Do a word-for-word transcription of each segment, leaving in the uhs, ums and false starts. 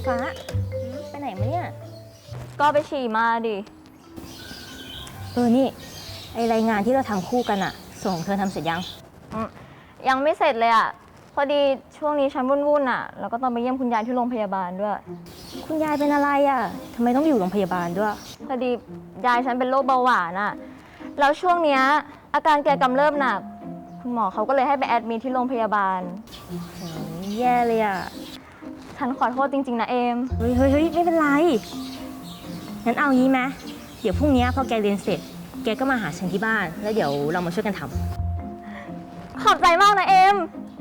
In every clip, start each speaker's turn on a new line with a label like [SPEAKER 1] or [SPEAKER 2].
[SPEAKER 1] ฟ้าไปไหนมาเนี่ย
[SPEAKER 2] ก็ไปฉี่มาดิ
[SPEAKER 1] เออนี่ไอรายงานที่เราทำคู่กันอะส่งเธอทำเสร็จยัง
[SPEAKER 2] ยังไม่เสร็จเลยอ่ะ พอดีช่วงนี้ฉันวุ่นๆอ่ะ แล้วก็ต้องไปเยี่ยมคุณยายที่โรงพยาบาลด้วย
[SPEAKER 1] คุณยายเป็นอะไรอะทำไมต้องอยู่โรงพยาบาลด้วย
[SPEAKER 2] พอดียายฉันเป็นโรคเบาหวานอ่ะ แล้วช่วงเนี้ยอาการแกกำเริบหนัก คุณหมอเขาก็เลยให้ไปแอดมิทที่โรงพยาบาล
[SPEAKER 1] โอ้ยแย่เลยอะ
[SPEAKER 2] ฉันขอโทษจริงๆนะเอม
[SPEAKER 1] เฮ้ยเฮ้ยเฮ้ยไม่เป็นไรงั้นเอางี้ไหมเดี๋ยวพรุ่งนี้พอแกเรียนเสร็จ แกก็มาหาฉันที่บ้าน แล้วเดี๋ยวเรามาช่วยกันทำ
[SPEAKER 2] ขอบใจมากนะเอม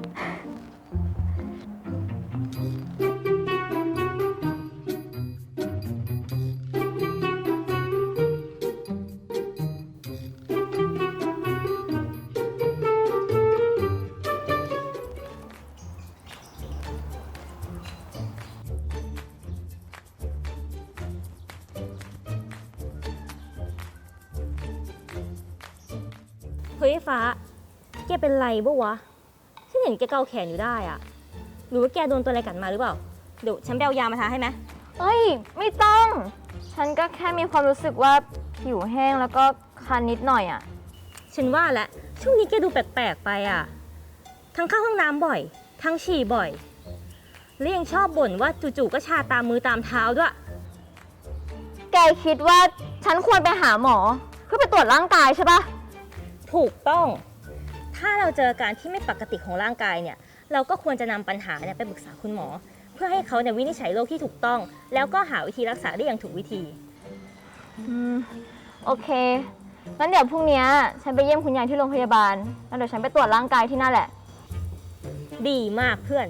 [SPEAKER 1] เฮ้ยฟ้า แกเป็นไรบ้วะฉันเห็นแกเกาแขนอยู่ได้อะหรือว่าแกโดนตัวอะไรกัดมาหรือเปล่า เดี๋ยวฉันไปเอายามาทาให้ไหม
[SPEAKER 2] เฮ้ย ไม่ต้อง ฉันก็แค่มีความรู้สึกว่าผิวแห้งแล้วก็คันนิดหน่อยอ่ะ
[SPEAKER 1] ฉันว่าแหละช่วงนี้แกดูแปลกๆไปอ่ะ ทั้งเข้าห้องน้ำบ่อย ทั้งฉี่บ่อย และยังชอบบ่นว่าจู่ๆก็ชาตามมือตามเท้าด้วย
[SPEAKER 2] แกคิดว่าฉันควรไปหาหมอเพื่อไปตรวจร่างกายใช่ปะ
[SPEAKER 1] ถูกต้อง ถ้าเราเจออาการที่ไม่ปกติของร่างกายเนี่ย เราก็ควรจะนำปัญหาเนี่ยไปปรึกษาคุณหมอ เพื่อให้เขาเนี่ยวินิจฉัยโรคที่ถูกต้อง แล้วก็หาวิธีรักษาได้อย่างถูกวิธี
[SPEAKER 2] อืม โอเค งั้นเดี๋ยวพรุ่งนี้ฉันไปเยี่ยมคุณยายที่โรงพยาบาล แล้วเดี๋ยวฉันไปตรวจร่างกายที่นั่นแหละ
[SPEAKER 1] ดีมากเพื่อน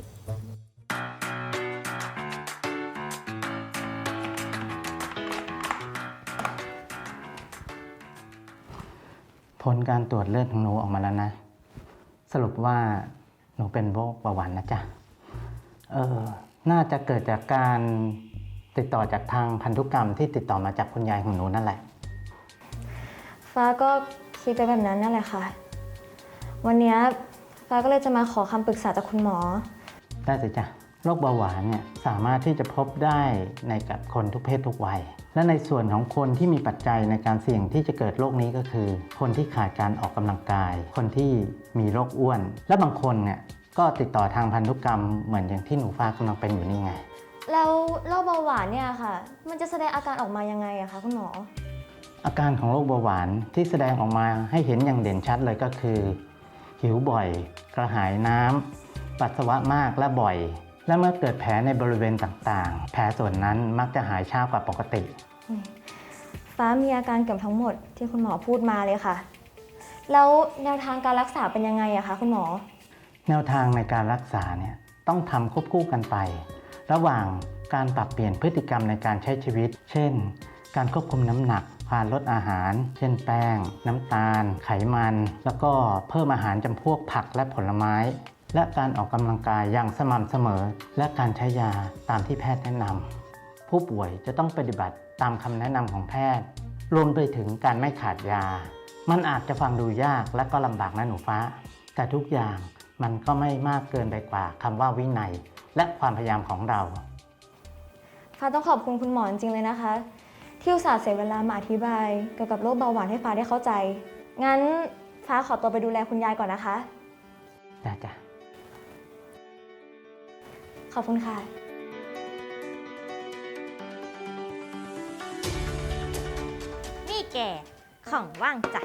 [SPEAKER 3] ผลการตรวจเลือดของหนูออกมาแล้วนะ สรุปว่าหนูเป็นโรคเบาหวานนะจ๊ะ เออ น่าจะเกิดจากการติดต่อจากทางพันธุกรรมที่ติดต่อมาจากคุณยายของหนูนั่นแหละ
[SPEAKER 2] ฟ้าก็คิดไปแบบนั้นนั่นแหละค่ะ วันนี้ฟ้าก็เลยจะมาขอคำปรึกษาจากคุณหมอ
[SPEAKER 3] ได้สิจ๊ะ โรคเบาหวานเนี่ยสามารถที่จะพบได้ในกับคนทุกเพศทุกวัย และในส่วนของคนที่มีปัจจัยในการเสี่ยงที่จะเกิดโรคนี้ก็คือ คนที่ขาดการออกกำลังกาย คนที่มีโรคอ้วน และบางคนเนี่ยก็ติดต่อทางพันธุกรรมเหมือนอย่างที่หนูฟ้ากำลังเป็นอยู่นี่ไง
[SPEAKER 2] แล้วโรคเบาหวานเนี่ยค่ะ มันจะแสดงอาการออกมายังไงอะคะคุณหมอ
[SPEAKER 3] อาการของโรคเบาหวานที่แสดงออกมาให้เห็นอย่างเด่นชัดเลยก็คือ หิวบ่อย กระหายน้ำปัสสาวะมากและบ่อย และเมื่อเกิดแผลในบริเวณต่างๆ แผลส่วนนั้นมักจะหายช้ากว่าปกติ
[SPEAKER 2] ฟ้ามีอาการเกือบทั้งหมดที่คุณหมอพูดมาเลยค่ะ แล้วแนวทางการรักษาเป็นยังไงอะคะคุณหมอ
[SPEAKER 3] แนวทางในการรักษาเนี่ยต้องทำควบคู่กันไป ระหว่างการปรับเปลี่ยนพฤติกรรมในการใช้ชีวิต เช่น การควบคุมน้ำหนักการลดอาหาร เช่นแป้ง น้ำตาล ไขมัน แล้วก็เพิ่มอาหารจำพวกผักและผลไม้ และการออกกำลังกายอย่างสม่ำเสมอ และการใช้ยาตามที่แพทย์แนะนำผู้ป่วยจะต้องปฏิบัติตามคำแนะนำของแพทย์ รวมไปถึงการไม่ขาดยา มันอาจจะฟังดูยากและก็ลำบากนะหนูฟ้า แต่ทุกอย่างมันก็ไม่มากเกินไปกว่าคำว่าวินัย และความพยายามของเรา
[SPEAKER 2] ฟ้าต้องขอบคุณคุณหมอจริงๆเลยนะคะ ที่อุตส่าห์เสียเวลามาอธิบายเกี่ยวกับโรคเบาหวานให้ฟ้าได้เข้าใจ งั้นฟ้าขอตัวไปดูแลคุณยายก่อนนะคะ
[SPEAKER 3] ได้จ้ะ
[SPEAKER 2] ขอบคุณค่ะ
[SPEAKER 1] นี่แก ของว่างจัด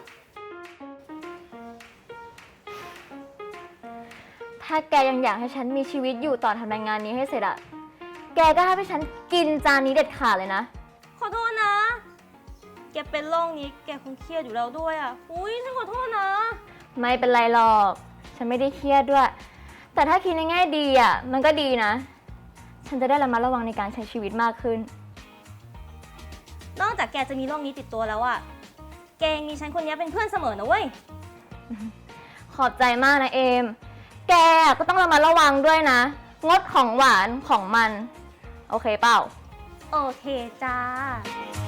[SPEAKER 2] ถ้าแกยังอยากให้ฉันมีชีวิตอยู่ต่อทำงานนี้ให้เสร็จอะแกก็ให้ฉันกินจานนี้เด็ดขาดเลยนะ
[SPEAKER 1] ขอโทษนะ แกเป็นโรคนี้แกคงเครียดอยู่แล้วด้วยอ่ะ อุ้ยฉันขอโทษนะ
[SPEAKER 2] ไม่เป็นไรหรอก ฉันไม่ได้เครียดด้วย แต่ถ้าคิดในแง่ดีอ่ะ มันก็ดีนะ ฉันจะได้ระมัดระวังในการใช้ชีวิตมากขึ้น
[SPEAKER 1] นอกจากแกจะมีโรคนี้ติดตัวแล้วอ่ะ แกยังมีฉันคนนี้เป็นเพื่อนเสมอนะเว้ย
[SPEAKER 2] ขอบใจมากนะเอม แกก็ต้องระมัดระวังด้วยนะ งดของหวานของมัน โอเคเปล่า
[SPEAKER 1] โอเคจ้า